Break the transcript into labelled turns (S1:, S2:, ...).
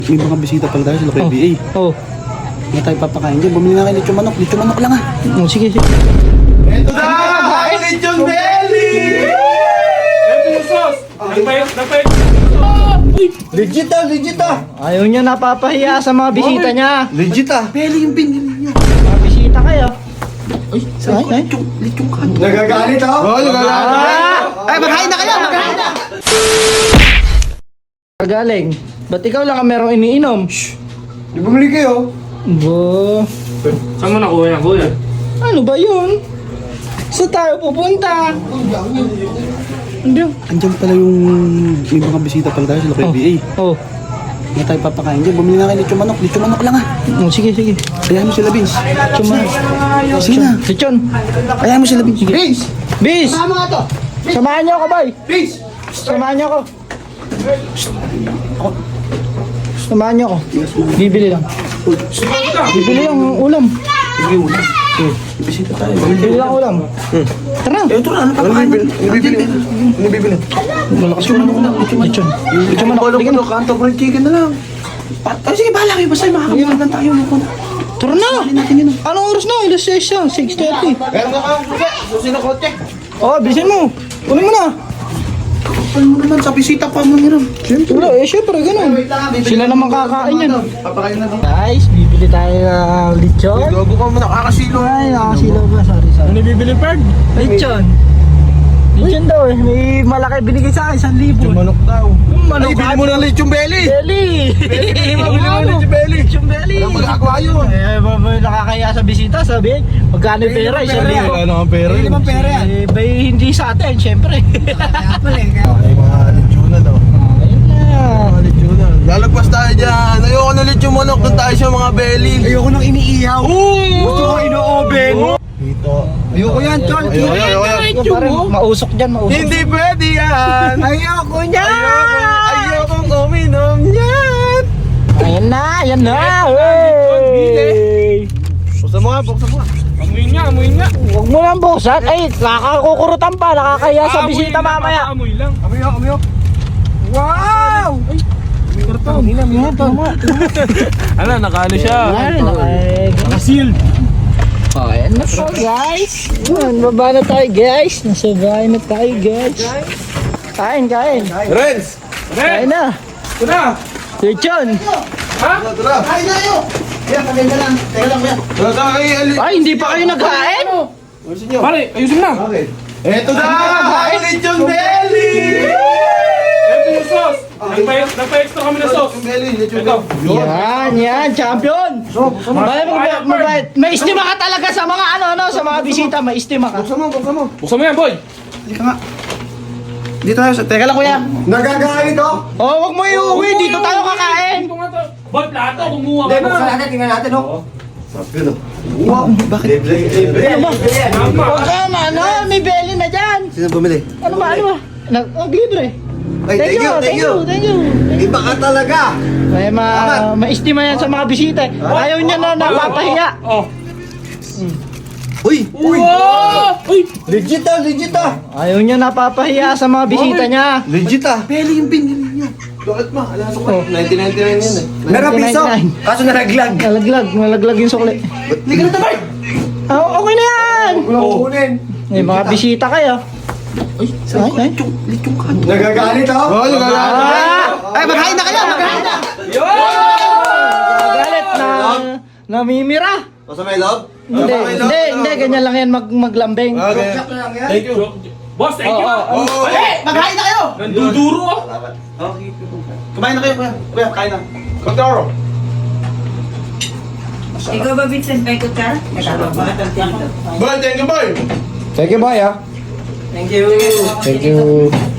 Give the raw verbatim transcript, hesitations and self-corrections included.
S1: May mga bisita pala tayo sa local B A.
S2: Oh.
S1: Hindi tayo papakain dyan. Bumili nga kayo lechon manok. Lechon manok lang ah.
S2: Oh, sige, sige.
S1: Ito na! Lechon belly!
S3: Ito yung sauce! Nagpayot, nagpayot!
S1: Legit ah, legit ah.
S2: Ayaw niya napapahiya sa mga bisita niya.
S1: Legit ah. Belly yung binili niya.
S2: Mga bisita kayo.
S1: Ay,
S2: Ay, ay.
S1: lechon, lechon kanto.
S4: Nagagalit ako?
S1: Oo, nagagalit.
S2: Ah!
S1: Ay, maghain na kayo! Maghain na!
S2: Galing. Ba't ikaw lang ang merong iniinom? Shh.
S4: Di bumili kayo?
S2: Bo.
S3: Saan mo nakuha yan, kuya?
S2: Ano ba yun? Saan tayo pupunta? Hindi.
S1: Andyan pala yung may mga bisita pala tayo sa local B A.
S2: Oh.
S1: Hindi tayo papakain dyan. Bumili nga kayo lechon manok. Lechon manok lang ah.
S2: Oh, sige, sige.
S1: Ayahan mo sila, Vince.
S2: Chuma.
S1: Sige na.
S2: Lechon.
S1: Ayahan mo sila, Vince. Vince!
S2: Bis!
S1: Tama nga to!
S2: Samahan niyo ako, boy!
S1: Vince!
S2: Samahan niyo ako. Samahan niyo ako. Bibili lang. Bibili lang ng ulam.
S1: Sige mo. Bisita tayo.
S2: Bibili lang ulam. Tara.
S1: Eh, ito na. Ano papakain mo?
S4: Ano bibili? Ano bibili?
S2: Malakas yung manok na. Lechon. Lechon manok.
S1: Wala
S2: Bigyan
S1: mo
S2: mo.
S1: kanto fried chicken na lang. Pa- Ay, sige, bahala kayo. Basta makakamulan lang tayo.
S2: Tara na.
S1: Hindi natin yun.
S2: Anong oras na? Alas six na. six thirty.
S4: Meron ka kang susi? Susi na kotse?
S2: Oh, bilisin mo. Kunin mo na.
S1: Kapal mo naman. Sa bisita pa mo nyo.
S2: Siyempre. Wala, eh, siyempre, ganun. Sila naman kakain yan.
S1: Papakain na lang.
S2: Guys, bibili tayo ng lechon.
S4: Gago ka mo, nakakasilo.
S2: Ay, nakasilaw ba? Sorry, sorry.
S3: Ano bibili, Perd?
S2: Lechon. Lechon daw eh. May malaki binigay sa akin, isang libo.
S4: Manok daw.
S2: Manok.
S4: Ay, bili mo ng lechon belly!
S2: Belly!
S4: Bili mo, bili mo ng lechon belly!
S2: Lechon belly!
S4: Walang magagawa yun.
S2: Eh, ba- ba- nakakaya sa bisita, sabi, magkano yung pera? Isang libo.
S4: Ano ang pera yun?
S2: pera yan? Eh, bay, hindi sa atin, syempre.
S4: Ay, mga lechonan daw.
S2: Ayun na.
S4: Mga lechonan. Lalagpas tayo dyan. Ayoko ng lechon manok. Doon tayo sa mga belly.
S1: Ayoko nang iniihaw.
S4: Gusto ko ino-oven. Dito.
S1: Ayoko yan, Chol.
S4: Ayoko, ayoko, ayoko.
S2: Yung parang mausok dyan, mausok.
S4: Hindi pwede yan.
S2: Ayoko niya!
S4: Ayoko. Ayokong uminom yan.
S2: Ayan na, ayan na! Hey!
S4: Buksan mo nga, buksan mo nga.
S3: Amuin nga, amuin nga.
S2: Huwag mo lang buksan. Ay, nakakukurutan pa, nakakaya sa
S3: Aamuin
S2: bisita
S3: lang,
S2: mamaya.
S3: Amoy lang.
S4: Amiyo, amiyo.
S2: Wow!
S3: Ano, nakaano siya?
S2: Ay, naka-sealed. Oh, ayan na po guys. Ayan, baba na tayo guys. Nasa bahay na tayo guys. Kain, kain.
S4: Renz!
S2: Kain na.
S3: Ito na.
S2: Lechon.
S3: Ha?
S4: Tara.
S1: Kain na kayo. Kaya, pagay na lang. Teka lang, kuya.
S4: Tara tayo. ali-
S2: Ay, hindi pa kayo nagkain?
S4: Ayusin nyo.
S3: Pare, ayusin na.
S4: Bakit? Eto na! Lechon belly!
S3: Ito yung sauce. Nagpayot, nagpa-extra kami ng sauce.
S4: Lechon belly, lechon
S3: Ito.
S4: belly.
S2: Yan, yan, champion. Mabait, mabait, mabait. May estima ka talaga sa mga ano, ano, sa mga bisita. May estima ka.
S4: Buksan mo, buksan mo.
S3: Buksan mo yan, boy.
S1: Halika nga. Dito tayo. sa- Teka lang, kuya.
S4: Nagagalit ako?
S2: Oh, wag mo iuwi. Dito tayo kakain.
S3: Dito nga to. Boy, plato, kumuha
S4: Hindi,
S3: ka
S4: buksan
S3: na.
S4: natin, tingnan natin, oh. Gano?
S1: Wow, bakit?
S4: Libre, libre.
S2: Ano ba?
S3: Tama.
S2: Huwag ka na, ano, may belly na dyan.
S1: Sino bumili?
S2: Ano ba, ano ba? Nag, oh, libre.
S4: Ay, thank you, thank you.
S2: thank you.
S4: Iba ka talaga.
S2: May ma, maestima yan sa mga bisita. Ayaw niya na napapahiya.
S3: Oh.
S1: Uy!
S3: Wow! Uy!
S4: Legit ah, legit ah.
S2: Ayaw niya napapahiya sa mga bisita niya.
S4: Legit ah.
S1: Belly yung binili niya.
S4: Bakit ma? Alam ko pa. nineteen ninety-nine yan eh.
S2: Meron piso.
S4: Kaso nalaglag.
S2: Nalaglag, nalaglag yung sukli.
S1: Halika na tayo.
S2: Ah, okay na yan.
S4: Walang kukunin.
S2: May mga bisita kayo.
S1: Ay,
S2: Ay, ay.
S1: lechon, lechon kanto.
S4: Nagagalit ako? Oo, nagagalit.
S2: Ah!
S1: Ay, maghain na kayo. Maghain na.
S2: Galit na namimira.
S4: Basta may love?
S2: Hindi, hindi, hindi. Ganyan lang yan mag maglambing.
S4: Okay.
S3: Thank you. Boss, thank you.
S2: Oo,
S4: Oo.
S1: Eh, maghain na kayo.
S3: Nanduduro ah.
S1: Kumain na kayo, kuya. Kuya, kain na.
S4: Kontoro.
S5: Ikaw ba, Vincent, may ikot ka?
S4: Boy, thank you boy.
S2: Thank you, boy, ah.
S5: Thank you.
S2: Thank you.